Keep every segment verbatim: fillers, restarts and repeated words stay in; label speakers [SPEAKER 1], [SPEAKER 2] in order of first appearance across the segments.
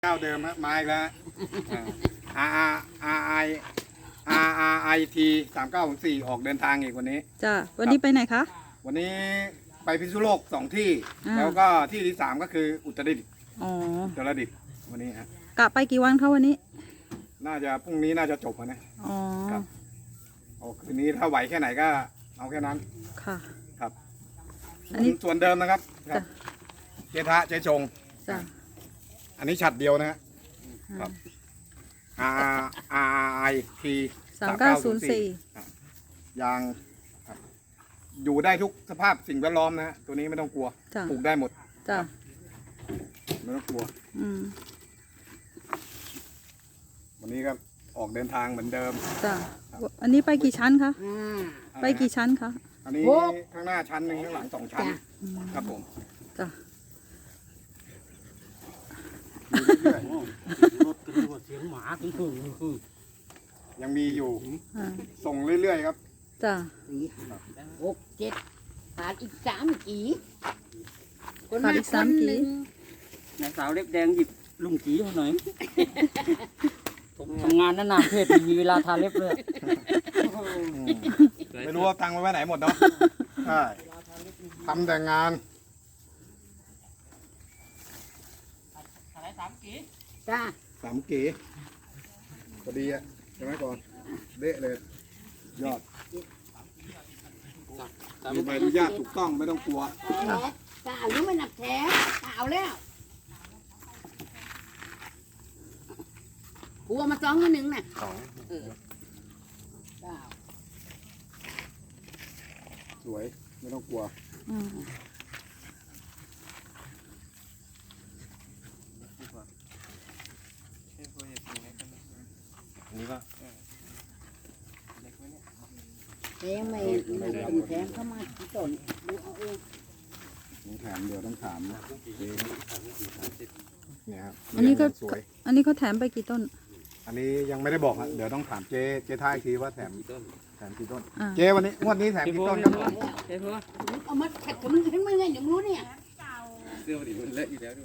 [SPEAKER 1] เจ้าเดิมฮะมาอีกแล้ว R R R I R R I T สามเก้าสี่ออกเดินทางอีกวันนี้
[SPEAKER 2] จ้าวันนี้ไปไหนคะ
[SPEAKER 1] วันนี้ไปพิษณุโลกสองที่
[SPEAKER 2] อ่า
[SPEAKER 1] แล้วก็ที่ที่สามก็คืออุตรดิตถ์
[SPEAKER 2] อ๋อ
[SPEAKER 1] อุตรดิตถ์วันนี้ฮะ
[SPEAKER 2] กะไปกี่วันคะวันนี้
[SPEAKER 1] น่าจะพรุ่งนี้น่าจะจบนะ
[SPEAKER 2] อ๋อ
[SPEAKER 1] ครับโอ้คืนนี้ถ้าไหวแค่ไหนก็เอาแค่นั้น
[SPEAKER 2] ค่ะ
[SPEAKER 1] ครับ
[SPEAKER 2] อันนี้
[SPEAKER 1] ส่วนเดิมนะครับครั
[SPEAKER 2] จ้ะ
[SPEAKER 1] บเจทะเจชง
[SPEAKER 2] จ้า
[SPEAKER 1] อันนี้ฉัดเดียวนะฮะครับ R R I T
[SPEAKER 2] สามเก้าศูนย์สี่
[SPEAKER 1] ยางครับอยู่ได้ทุกสภาพสิ่งแวดล้อมนะฮะตัวนี้ไม่ต้องกลัว
[SPEAKER 2] จ้า
[SPEAKER 1] ปลูกได้หมด
[SPEAKER 2] จ้า
[SPEAKER 1] ไม่ต้องกลัว
[SPEAKER 2] อืม
[SPEAKER 1] วันนี้ก็ออกเดินทางเหมือนเดิม
[SPEAKER 2] จ้าอันนี้ไปกี่ชั้นคะไปกี่ชั้นคะ
[SPEAKER 1] อันนี้ข้างหน้าชั้นหนึ่งข้างหลังสองชั้นครับผม
[SPEAKER 2] จ้า
[SPEAKER 3] รถกันด้วยเสียงหมาถึงถึงคือ
[SPEAKER 1] ยังมีอยู่
[SPEAKER 2] อ่า
[SPEAKER 1] ส่งเรื่อยๆครับ
[SPEAKER 2] จ้า
[SPEAKER 4] สี่ห้าหกเจ็ดขาดอีกสามกี่
[SPEAKER 2] ขาดอีกสามกี่
[SPEAKER 3] นายสาวเล็บแดงหยิบลุงจีมาหน่อยผมทำงานนานๆเพศไม่มีเวลาทาเล็บเลย
[SPEAKER 1] ไม่รู้ว่าตังค์ไว้ไหนหมดเนาะใช่ทำแต่งาน
[SPEAKER 4] จ้า
[SPEAKER 1] สามเก๋พอดีอะใช่ไหมก่อนเละเลยยอดมีใบอนุญาตถูกต้องไม่ต้องกลัว
[SPEAKER 4] แท้กาหรือไม่หนักแท้กาเอาแล้วกูเอามาสองกันหนึ่งน่ะเออเก้า
[SPEAKER 1] สวยไม่ต้องกลัว
[SPEAKER 2] อืม
[SPEAKER 1] นี่ก็
[SPEAKER 4] แทงไม่ไม่เป็นแทงเข้ามาที่ต้นดูเอาเอง
[SPEAKER 1] ต้องถามเดี๋ยวต้องถามเจ๊เนี่ยครับ
[SPEAKER 2] อันนี้ก็
[SPEAKER 1] สวย
[SPEAKER 2] อันนี้เขาแถมไปกี่ต้น
[SPEAKER 1] อันนี้ยังไม่ได้บอกอะเดี๋ยวต้องถามเจ๊เจ๊ท้ายอีกทีว่าแถมแถมกี่ต้น
[SPEAKER 2] อ่า
[SPEAKER 1] เจ๊วันนี้งวดนี้แถมกี่ต้นครับผม
[SPEAKER 3] ใช่เพราะ
[SPEAKER 4] เอามาขัดกับมึงเห็นมึงไงเดี๋ยวมึงรู้เนี่ย
[SPEAKER 3] เสื้อดิมันเลอะอยู่แล้วด้วย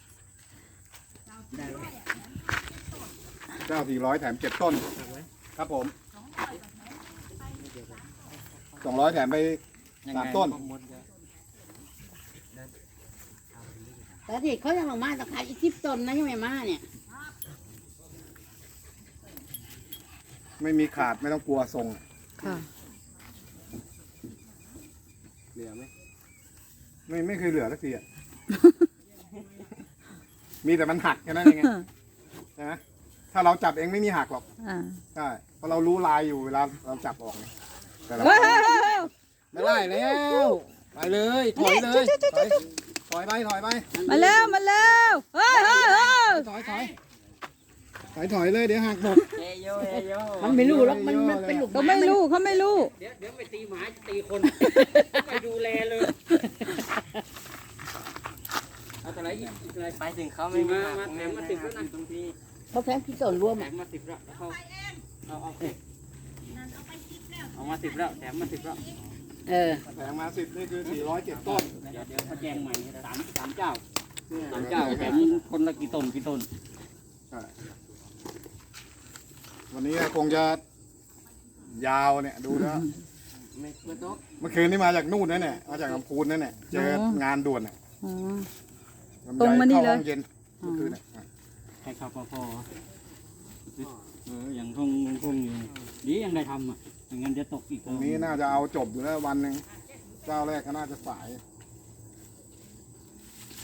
[SPEAKER 1] เจ้าสี่ร้อยแถมเจ็ดต้นครับผมสองร้อยแถมไปสามต้น
[SPEAKER 4] แต่ที่เขายังลงมาแต่ขายอีกสิบต้นนะยังไม่มาเนี่ย
[SPEAKER 1] ไม่มีขาดไม่ต้องกลัวทรง
[SPEAKER 2] ค่ะ
[SPEAKER 1] เหลือไหมไม่ไม่เคยเหลือสักทีอ่ะ มีแต่มันหักแค่นั้นเองไงใช่ไหมถ้าเราจับเองไม่มีหักหรอก
[SPEAKER 2] อ่า
[SPEAKER 1] ใช่เพราะเรารู้ลายอยู่เวลาเราจับออกเนี่ยแต่เรา
[SPEAKER 2] เฮ้ยเฮ้ยเฮ้ยเฮ้ย
[SPEAKER 1] ไม่ได้แล้วไปเลยถอยเลยถอยถอยไปถอยไป
[SPEAKER 2] มาแล้วมาแล้วเฮ้ยเฮ้ยเฮ้ย
[SPEAKER 1] ถอยถอยถอยถอยเลยเดี๋ยวหักหมด
[SPEAKER 3] เอโยเอโย
[SPEAKER 4] มันไม่รู้หรอกมันมันเป็นลูก
[SPEAKER 2] เขาไม่รู้เขาไม่รู้
[SPEAKER 3] เดี๋ยวเดี๋ยวไปตีหมาจะตีคนไปดูแลเลยเอาอะไรอีกอะไรไปถึงเขาไม่มามาแถมมาติดแล้วนะตรงที่
[SPEAKER 4] เขาแทงที่ต้นรวม
[SPEAKER 3] แถ
[SPEAKER 4] อ่ะ
[SPEAKER 3] มมาติดแล้วเขาเอาเอาเอามาติดแล้วแถมมาติดแล้ว
[SPEAKER 4] เออ
[SPEAKER 1] แผงมาสิบนี่คือสี่ร้อยเจ็ดต้น
[SPEAKER 3] เดี๋ยวเดี๋ยวเขาแจ้งใหม่สามสามเจ้าสามเจ้าแถมคนละกี่ต้นกี่ต้น
[SPEAKER 1] ใช่วันนี้คงจะยาวเนี่ยดูแล้ว
[SPEAKER 3] ไม่ไม่ต้อง
[SPEAKER 1] เมื่อคืนนี้มาจากนู่นนั่นแหละมาจากลำพูนนั่นแหละเจองานด่วนน่ะ
[SPEAKER 2] อ๋อ
[SPEAKER 1] ลำไย
[SPEAKER 2] ตรงมานี่เลย
[SPEAKER 1] ข้ห้องเย็นเมื่อคืนน่ะ
[SPEAKER 3] ให้ข้าวพอเอออย่างทงทงอยู่ดียังได้ทำอ่ะไม่งั้นจะตกอีก
[SPEAKER 1] ตรงนี้น่าจะเอาจบอยู่แล้ววันหนึ่งเจ้าแรกก็น่าจะสาย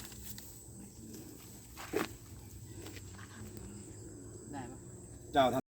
[SPEAKER 3] ได้ปะ
[SPEAKER 1] เจ้าท่าน